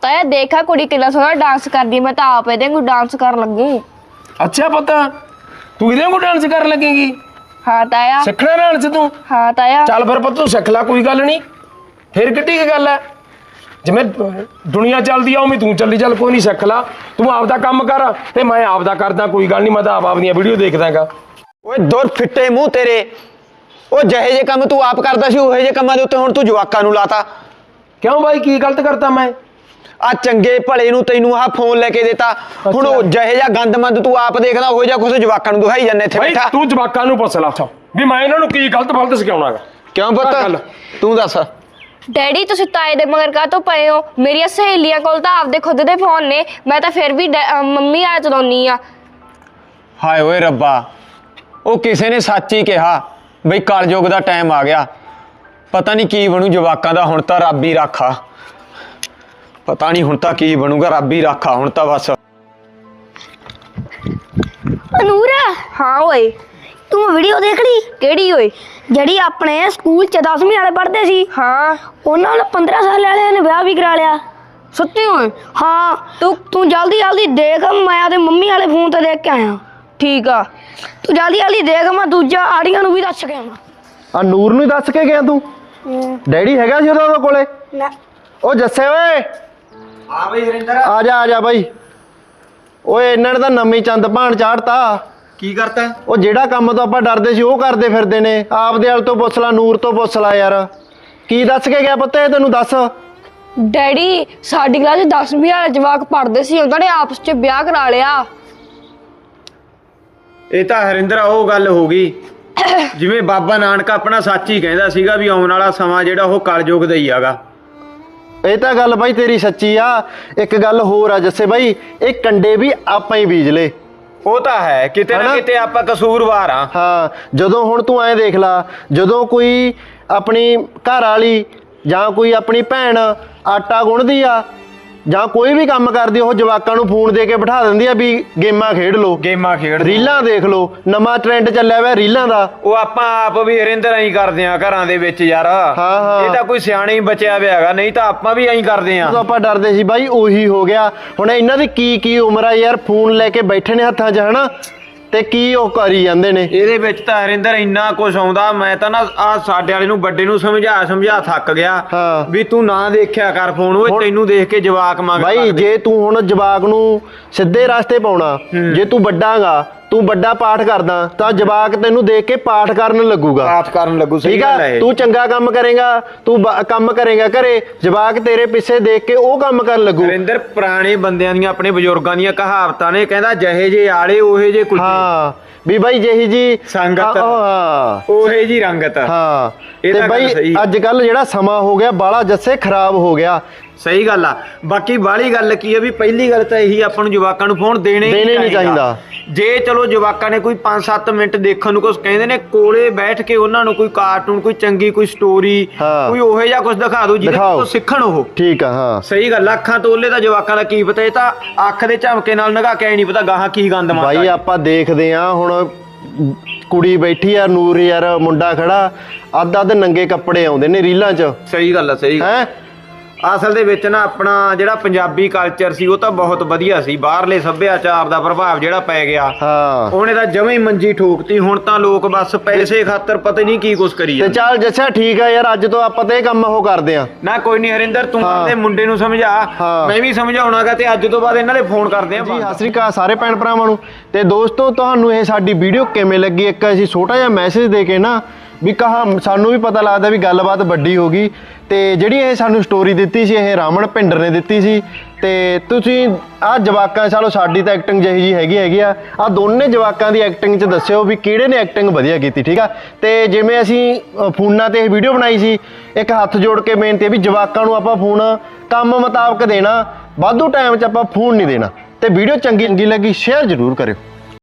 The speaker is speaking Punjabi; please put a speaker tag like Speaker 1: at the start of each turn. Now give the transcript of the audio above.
Speaker 1: ਤਾਇਆ ਦੇਖਾ कुड़ी कितना सोहना डांस करदी, मैं तो आप ਇਹਦੇ ਨੂੰ डांस कर लगू।
Speaker 2: अच्छा पता तू ਇਹਦੇ ਨੂੰ डांस कर लगेगी?
Speaker 1: हाँ ताया।
Speaker 2: सिखना डांस तू?
Speaker 1: हाँ ताया।
Speaker 2: चल फिर पुੱਤ तू सिख ला, कोई गल नहीं, फिर किड्डी की गल है। जिवें दुनिया चलदी आ उवें तू चली चल, कोई नहीं, सिख ला तू, आपदा काम कर ते मैं आपदा करदा, कोई गल नहीं, मैं तो आप वीडियो देखदागा।
Speaker 3: ओए दुर फिੱਟੇ ਮੂੰਹ तेरे, ਉਹ ਜਿਹੇ ਜੇ ਕੰਮ ਤੂੰ ਆਪ ਕਰਦਾ ਸੀ ਉਹੇ ਜੇ ਕੰਮਾਂ ਦੇ ਉੱਤੇ ਹੁਣ ਤੂੰ ਜਵਾਕਾਂ ਨੂੰ ਲਾਤਾ।
Speaker 2: क्यों भाई की गलत करता मैं?
Speaker 3: ਆ ਚੰਗੇ ਭਲੇ ਨੂੰ ਤੈਨੂੰ ਆਹ ਫੋਨ ਲੈ ਕੇ ਦਿੱਤਾ, ਹੁਣ ਉਹ ਜਿਹੇ ਜਿਹਾ ਗੰਦਮੰਦ ਤੂੰ ਆਪ ਦੇਖਦਾ ਉਹੋ ਜਿਹਾ ਕੁਛ ਜਵਾਕਾਂ ਨੂੰ ਦਿਖਾਈ ਜਾਂਦਾ ਇੱਥੇ ਬੈਠਾ।
Speaker 2: ਤੂੰ ਜਵਾਕਾਂ ਨੂੰ ਪੁੱਛ ਲਾ ਵੀ ਮੈਂ ਇਹਨਾਂ ਨੂੰ ਕੀ ਗਲਤ ਫਲਤ ਸਿਖਾਉਣਾਗਾ।
Speaker 3: ਕਿਉਂ ਪੁੱਤ ਤੂੰ ਦੱਸ।
Speaker 1: डैडी तुसीं ताए दे मगर काहतों पए हो? मेरियां सहेलियां कोल तां आपदे खुद दे फोन ने, मैं तां फिर भी मम्मी आ चलाउणी आ।
Speaker 3: ਹਾਏ ਓਏ ਰੱਬਾ, ਉਹ ਕਿਸੇ ਨੇ ਸੱਚ ਹੀ ਕਿਹਾ ਬਈ ਕਲਯੁਗ ਦਾ ਟਾਈਮ ਆ ਗਿਆ, ਪਤਾ ਨਹੀਂ ਕੀ ਬਣੂ ਜਵਾਕਾਂ ਦਾ, ਹੁਣ ਤਾਂ ਰੱਬ ਹੀ ਰਾਖਾ, ਪਤਾ ਨਹੀਂ ਹੁਣ ਤਾਂ ਕੀ ਬਣੂਗਾ, ਰੱਬ ਹੀ ਰਾਖਾ ਹੁਣ ਤਾਂ ਬਸ।
Speaker 4: ਨੂਰਾ
Speaker 1: हाँ ओए
Speaker 4: ਤੂੰ ਵੀਡੀਓ ਦੇਖ ਲਈ?
Speaker 1: केड़ी ओए?
Speaker 4: ਜਿਹੜੀ ਆਪਣੇ ਸਕੂਲ ਚ 10ਵੀਂ ਵਾਲੇ ਪੜ੍ਹਦੇ ਸੀ,
Speaker 1: हाँ
Speaker 4: ਉਹਨਾਂ ਨਾਲ 15 ਸਾਲ ਵਾਲਿਆਂ ਨੇ ਵਿਆਹ ਵੀ ਕਰਾ ਲਿਆ।
Speaker 1: सच्ची ओए?
Speaker 4: ਹਾਂ ਤੂੰ ਜਲਦੀ ਜਲਦੀ ਦੇਖ, ਮੈਂ ਆਦੇ ਮੰਮੀ ਵਾਲੇ ਫੋਨ ਤੇ ਦੇਖ ਕੇ ਆਇਆ।
Speaker 1: ठीक आ।
Speaker 4: ਤੂੰ ਜਲਦੀ ਜਲਦੀ ਦੇਖ, ਮੈਂ ਦੂਜਾ ਆੜੀਆਂ ਨੂੰ ਵੀ ਦੱਸ ਕੇ ਆਵਾਂ।
Speaker 5: ਆ ਨੂਰ ਨੂੰ ਦੱਸ ਕੇ ਗਿਆ ਤੂੰ? ਡੈਡੀ ਹੈਗਾ ਸੀ ਉਹਦੇ ਕੋਲੇ?
Speaker 4: ਨਾ
Speaker 5: ਉਹ ਜੱਸੇ ਓਏ
Speaker 3: ਹਾਂ ਬਈ ਹਰਿੰਦਰ,
Speaker 5: ਆ ਜਾ ਬਾਈ। ਓਏ ਇਹਨਾਂ ਨੇ ਤਾਂ ਨਵੀਂ ਚੰਦ ਭਾਣ ਚਾੜਤਾ।
Speaker 3: ਕੀ ਕਰਤਾ?
Speaker 5: ਉਹ ਜਿਹੜਾ ਕੰਮ ਤੋਂ ਆਪਾਂ ਡਰਦੇ ਸੀ ਉਹ ਕਰਦੇ ਫਿਰਦੇ ਨੇ। ਆਪਦੇ ਵਾਲ ਤੋਂ ਪੁੱਛ ਲਾ, ਨੂਰ ਤੋਂ ਪੁੱਛ ਲਾ ਯਾਰ, ਕੀ ਦੱਸ ਕੇ ਗਿਆ ਪੁੱਤ ਇਹ ਤੈਨੂੰ? ਦੱਸ।
Speaker 1: डैडी साडी क्लास 10वीं वाले जवाक पढ़दे सी, उन्हां ने आपस च ब्याह करा लिया।
Speaker 3: ਇਹ ਤਾਂ ਹਰਿੰਦਰ ਉਹ ਗੱਲ ਹੋ ਗਈ ਜਿਵੇਂ ਬਾਬਾ ਨਾਨਕ ਆਪਣਾ ਸੱਚ ਹੀ ਕਹਿੰਦਾ ਸੀਗਾ ਵੀ ਆਉਣ ਵਾਲਾ ਸਮਾਂ ਜਿਹੜਾ ਉਹ ਕਲਯੁਗ ਦਾ ਹੀ ਹੈਗਾ।
Speaker 5: ਇਹ ਤਾਂ ਗੱਲ ਬਾਈ ਤੇਰੀ ਸੱਚੀ ਆ। ਇੱਕ ਗੱਲ ਹੋਰ ਆ ਜੱਸੇ ਬਾਈ, ਇਹ ਕੰਡੇ ਵੀ ਆਪਾਂ ਹੀ ਬੀਜ ਲੇ।
Speaker 3: ਉਹ ਤਾਂ ਹੈ, ਕਿਤੇ ਨਾ ਕਿਤੇ ਆਪਾਂ ਕਸੂਰਵਾਰ ਆ।
Speaker 5: ਹਾਂ, ਜਦੋਂ ਹੁਣ ਤੂੰ ਐਂ ਦੇਖ ਲਾ, ਜਦੋਂ ਕੋਈ ਆਪਣੀ ਘਰ ਵਾਲੀ ਜਾਂ ਕੋਈ ਆਪਣੀ ਭੈਣ ਆਟਾ ਗੁੰਨਦੀ ਆ ਜਾਂ ਕੋਈ ਵੀ ਕੰਮ ਕਰਦੀ, ਉਹ ਜਵਾਕਾਂ ਨੂੰ ਫੋਨ ਦੇ ਕੇ ਬਿਠਾ ਦਿੰਦੀ ਆ ਵੀ ਗੇਮਾਂ ਖੇਡ ਲੋ,
Speaker 3: ਗੇਮਾਂ ਖੇਡ,
Speaker 5: ਰੀਲਾਂ ਦੇਖ ਲੋ। ਨਵਾਂ ਟ੍ਰੈਂਡ ਚੱਲਿਆ ਹੋਇਆ ਰੀਲਾਂ ਦਾ।
Speaker 3: ਉਹ ਆਪਾਂ ਆਪ ਵੀ ਹਰਿੰਦਰ ਐਂ ਕਰਦੇ ਆ ਘਰਾਂ ਦੇ ਵਿੱਚ ਯਾਰ।
Speaker 5: ਹਾਂ।
Speaker 3: ਇਹ ਤਾਂ ਕੋਈ ਸਿਆਣਾ ਹੀ ਬਚਿਆ ਹੋਇਆ ਹੈਗਾ, ਨਹੀਂ ਤਾਂ ਆਪਾਂ ਵੀ ਐਂ ਕਰਦੇ ਆ।
Speaker 5: ਜਦੋਂ ਆਪਾਂ ਡਰਦੇ ਸੀ ਬਾਈ ਉਹੀ ਹੋ ਗਿਆ। ਹੁਣ ਇਹਨਾਂ ਦੀ ਕੀ ਉਮਰ ਆ ਯਾਰ, ਫੋਨ ਲੈ ਕੇ ਬੈਠੇ ਨੇ ਹੱਥਾਂ 'ਚ, ਹਨਾ, ਤੇ ਕੀ ਉਹ ਕਰੀ ਜਾਂਦੇ ਨੇ।
Speaker 3: ਇਹਦੇ ਵਿੱਚ ਤਾਂ ਹਰਿੰਦਰ ਇੰਨਾ ਕੁਝ ਆਉਂਦਾ, ਮੈਂ ਤਾਂ ਨਾ ਆ ਸਾਡੇ ਵਾਲੇ ਨੂੰ ਵੱਡੇ ਨੂੰ ਸਮਝਾ ਥੱਕ ਗਿਆ ਵੀ ਤੂੰ ਨਾ ਦੇਖਿਆ ਕਰ ਫੋਨ, ਉਹ ਤੈਨੂੰ ਦੇਖ ਕੇ ਜਵਾਕ ਮੰਗ
Speaker 5: ਬਾਈ। ਜੇ ਤੂੰ ਹੁਣ ਜਵਾਕ ਨੂੰ ਸਿੱਧੇ ਰਸਤੇ ਪਾਉਣਾ, ਜੇ ਤੂੰ ਵੱਡਾਗਾ, ਤੂੰ ਵੱਡਾ ਪਾਠ ਕਰਦਾ ਤਾਂ ਜਵਾਕ ਤੈਨੂੰ ਦੇਖ ਕੇ ਪਾਠ ਕਰਨ ਲੱਗੂਗਾ,
Speaker 3: ਪਾਠ ਕਰਨ ਲੱਗੂ।
Speaker 5: ਠੀਕ ਆ? ਤੂੰ ਚੰਗਾ ਕੰਮ ਕਰੇਗਾ, ਤੂੰ ਕੰਮ ਕਰੇਗਾ ਘਰੇ, ਜਵਾਕ ਤੇਰੇ ਪਿੱਛੇ ਦੇਖ ਕੇ ਉਹ ਕੰਮ ਕਰਨ ਲੱਗੂ।
Speaker 3: ਹਰਿੰਦਰ ਪੁਰਾਣੇ ਬੰਦਿਆਂ ਦੀਆਂ, ਆਪਣੇ ਬਜ਼ੁਰਗਾਂ ਦੀਆਂ ਕਹਾਵਤਾਂ ਨੇ, ਕਹਿੰਦਾ ਜਿਹੇ ਜੇ ਆਲੇ ਉਹੇ ਜੇ ਕੁਝ।
Speaker 5: ਹਾਂ ਵੀ ਬਾਈ ਜਿਹੀ ਜੀ
Speaker 3: ਸੰਗਤ,
Speaker 5: ਹਾਂ
Speaker 3: ਉਹੇ ਜੀ ਰੰਗਤ।
Speaker 5: ਹਾਂ
Speaker 3: ਇਹ
Speaker 5: ਤੇ
Speaker 3: ਤਾਂ ਗੱਲ
Speaker 5: ਬਾਈ
Speaker 3: ਸਹੀ।
Speaker 5: ਅੱਜ ਕੱਲ ਜਿਹੜਾ ਸਮਾਂ ਹੋ ਗਿਆ ਬਾਲਾ ਜੱਸੇ ਖਰਾਬ ਹੋ ਗਿਆ।
Speaker 3: ਸਹੀ ਗੱਲ ਆ। ਬਾਕੀ ਬਾਹਲੀ ਗੱਲ ਕੀ ਆ ਵੀ ਪਹਿਲੀ ਗੱਲ ਤਾਂ ਇਹੀ, ਆਪਾਂ ਨੂੰ ਜਵਾਕਾਂ ਨੂੰ ਫੋਨ ਦੇਣੇ ਨਹੀਂ ਚਾਹੀਦਾ। ਜੇ ਚਲੋ ਜਵਾਕਾਂ ਨੇ ਕੋਈ 5-7 ਮਿੰਟ ਦੇਖਣ ਨੂੰ ਕੁਝ ਕਹਿੰਦੇ ਨੇ, ਕੋਲੇ ਬੈਠ ਕੇ ਉਹਨਾਂ ਨੂੰ ਕੋਈ ਕਾਰਟੂਨ, ਕੋਈ ਚੰਗੀ ਕੋਈ ਸਟੋਰੀ, ਕੋਈ ਉਹੇ ਜਿਹਾ ਕੁਝ ਦਿਖਾ ਦਿਓ ਜਿਹਦੇ ਤੋਂ ਸਿੱਖਣ ਉਹ।
Speaker 5: ਠੀਕ ਆ। ਹਾਂ
Speaker 3: ਸਹੀ ਗੱਲ। ਅੱਖਾਂ ਤੋਲੇ ਤਾਂ ਜਵਾਕਾਂ ਦਾ ਕੀ ਪਤਾ, ਇਹ ਤਾਂ ਅੱਖ ਦੇ ਝਮਕੇ ਨਾਲ ਨਗਾ ਕੇ ਨਹੀਂ ਪਤਾ ਗਾਹਾਂ ਕੀ ਗੰਦ ਮਾਰਦਾ।
Speaker 5: ਬਾਈ ਆਪਾਂ ਦੇਖਦੇ ਆ ਹੁਣ, ਕੁੜੀ ਬੈਠੀ ਆ ਨੂਰ ਯਾਰ, ਮੁੰਡਾ ਖੜਾ, ਅੱਧ ਨੰਗੇ ਕੱਪੜੇ ਆਉਂਦੇ ਨੇ ਰੀਲਾਂ 'ਚ।
Speaker 3: ਸਹੀ ਗੱਲ ਆ। ਸਹੀ
Speaker 5: ਹੈ।
Speaker 3: ਅਸਲ ਦੇ ਵਿੱਚ ਨਾ ਆਪਣਾ ਜਿਹੜਾ ਪੰਜਾਬੀ ਕਲਚਰ ਸੀ ਉਹ ਤਾਂ ਬਹੁਤ ਵਧੀਆ ਸੀ, ਬਾਹਰਲੇ ਸੱਭਿਆਚਾਰ ਦਾ ਪ੍ਰਭਾਵ ਜਿਹੜਾ ਪੈ ਗਿਆ ਉਹਨੇ ਤਾਂ ਜਮਾਂ ਹੀ ਮੰਜੀ ਠੋਕਤੀ। ਹੁਣ ਤਾਂ ਲੋਕ ਬਸ ਪੈਸੇ ਖਾਤਰ ਪਤਾ ਨਹੀਂ ਕੀ ਕੁਛ ਕਰੀ
Speaker 5: ਤੇ ਚੱਲ ਜੱਸਾ ਠੀਕ ਆ ਯਾਰ, ਅੱਜ ਤੋਂ ਆਪਾਂ ਤੇ ਇਹ ਕੰਮ ਉਹ ਕਰਦੇ ਆ
Speaker 3: ਨਾ। ਕੋਈ ਨਹੀਂ ਹਰਿੰਦਰ, ਤੂੰ ਆਪਣੇ ਮੁੰਡੇ ਨੂੰ ਸਮਝਾ, ਮੈਂ ਵੀ ਸਮਝਾਉਣਾਗਾ, ਤੇ ਅੱਜ ਤੋਂ ਬਾਅਦ ਇਹਨਾਂ ਦੇ ਫੋਨ ਕਰਦੇ ਆ
Speaker 5: ਜੀ। ਸਤਿ ਸ੍ਰੀ ਅਕਾਲ ਸਾਰੇ ਭੈਣ ਭਰਾਵਾਂ ਨੂੰ। ਤੇ ਦੋਸਤੋ ਤੁਹਾਨੂੰ ਇਹ ਸਾਡੀ ਵੀਡੀਓ ਕਿਵੇਂ ਲੱਗੀ, ਇੱਕ ਅਸੀਂ ਛੋਟਾ ਜਿਹਾ ਮੈਸੇਜ ਦੇ ਕੇ ਨਾ ਵੀ ਸਾਨੂੰ ਵੀ ਪਤਾ ਲੱਗਦਾ ਵੀ ਗੱਲਬਾਤ ਵੱਡੀ ਹੋ ਗਈ। ਤੇ ਜਿਹੜੀ ਇਹ ਸਾਨੂੰ ਸਟੋਰੀ ਦਿੱਤੀ ਸੀ, ਇਹ ਰਾਮਨ ਭਿੰਡਰ ਨੇ ਦਿੱਤੀ ਸੀ। ਤੇ ਤੁਸੀਂ ਆਹ ਜਵਾਕਾਂ, ਚਲੋ ਸਾਡੀ ਤਾਂ ਐਕਟਿੰਗ ਜਿਹੀ ਜੀ ਹੈਗੀ ਆ, ਆਹ ਦੋਨੇ ਜਵਾਕਾਂ ਦੀ ਐਕਟਿੰਗ 'ਚ ਦੱਸਿਓ ਵੀ ਕਿਹੜੇ ਨੇ ਐਕਟਿੰਗ ਵਧੀਆ ਕੀਤੀ, ਠੀਕ ਆ? ਤੇ ਜਿਵੇਂ ਅਸੀਂ ਫੋਨਾਂ ਤੇ ਇਹ ਵੀਡੀਓ ਬਣਾਈ ਸੀ, ਇੱਕ ਹੱਥ ਜੋੜ ਕੇ ਬੇਨਤੀ ਹੈ ਵੀ ਜਵਾਕਾਂ ਨੂੰ ਆਪਾਂ ਫੋਨ ਕੰਮ ਮੁਤਾਬਕ ਦੇਣਾ, ਵਾਧੂ ਟਾਈਮ 'ਚ ਆਪਾਂ ਫੋਨ ਨਹੀਂ ਦੇਣਾ। ਤੇ ਵੀਡੀਓ ਚੰਗੀ ਲੱਗੀ ਸ਼ੇਅਰ ਜ਼ਰੂਰ ਕਰਿਓ।